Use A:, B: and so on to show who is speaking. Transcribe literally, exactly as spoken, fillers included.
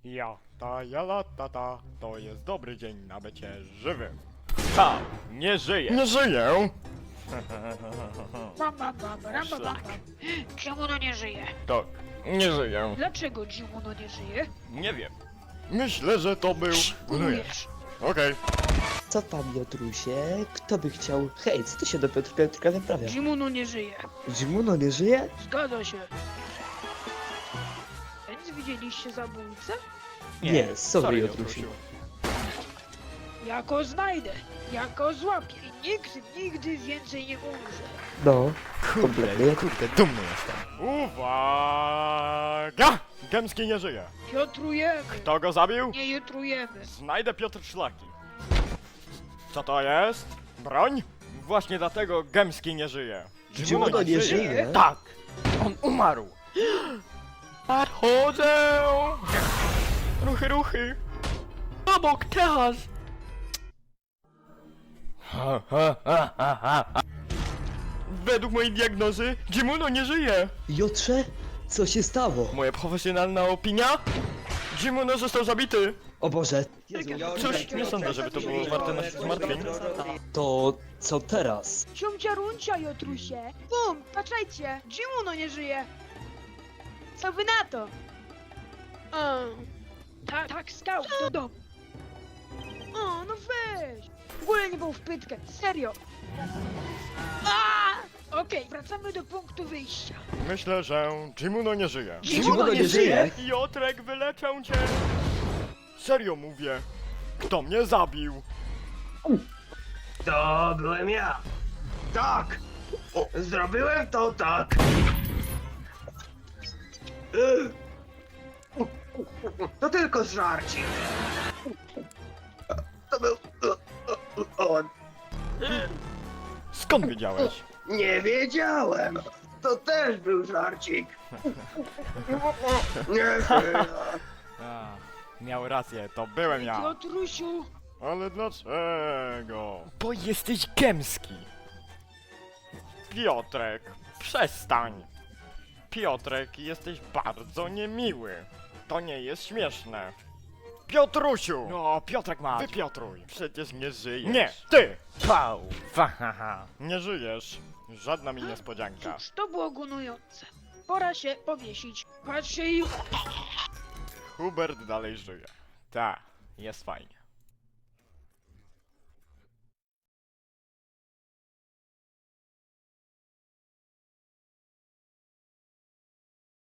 A: Ja, ta, ja, la, ta, ta, to jest dobry dzień na bycie żywym. Ha, nie żyję. Nie żyję.
B: Bam, bam, bam, bam, bam, bam, bam. Jimuno nie żyje.
A: Tak, nie żyję.
B: Dlaczego Jimuno nie żyje?
A: Nie wiem. Myślę, że to był...
B: Gunujesz.
A: Okej.
C: Co tam, Piotrusie? Kto by chciał... Hej, co ty się do Piotr Piotrka wyprawia?
B: Jimuno nie żyje.
C: Dzimuno nie żyje?
B: Zgadza się. Więc widzieliście zabójcę?
C: Nie, sorry, Piotrusiu.
B: Ja go znajdę. Ja go złapię. I nikt nigdy więcej nie umrze.
C: No,
A: Kurde,
C: kompletnie.
A: kurde, dumny jestem. Uwaga! Gęmski nie żyje.
B: Piotrujemy.
A: Kto go zabił?
B: Nie jutrujemy.
A: Znajdę Piotr Szlaki. Co to jest? Broń? Właśnie dlatego Gęmski nie żyje.
C: Jimuno nie żyje?
A: Tak! On umarł! Nadchodzę! Ruchy, ruchy! Obok teraz! Ha, ha, ha, ha, ha. Według mojej diagnozy Jimuno nie żyje!
C: Jotrze, co się stało?
A: Moja profesjonalna opinia? Jimuno został zabity!
C: O Boże,
A: Cóż, nie sądzę, żeby to było warte naszych zmartwień.
C: to co teraz?
B: Ciumcia runcia, Jotrusie. Bum, patrzajcie. Jimuno nie żyje. Co wy na to? Um, tak, tak, stał do domu. O, no weź. W ogóle nie był w pytkę, serio. A! Okej, wracamy do punktu wyjścia.
A: Myślę, że Jimuno nie żyje.
C: Jimuno nie żyje?
A: Jotrek, wyleczę cię! Serio mówię. Kto mnie zabił?
D: To byłem ja. Tak! Zrobiłem to tak! To tylko żarcie. To był on.
A: Skąd wiedziałeś?
D: Nie wiedziałem. To też był żarcik. Nie żyję.
A: A, miał rację, to byłem ja.
B: Jotrusiu.
A: Ale dlaczego? Bo jesteś gęmski. Piotrek, przestań. Piotrek, jesteś bardzo niemiły. To nie jest śmieszne. Piotrusiu! No, Piotrek ma. Wypiotruj. Przecież nie żyjesz. Nie, ty! Pał! Fahaha. Nie żyjesz. Żadna mi niespodzianka.
B: Cóż, to było gunujące. Pora się powiesić. Patrzcie i...
A: Hubert dalej żyje. Tak, jest fajnie.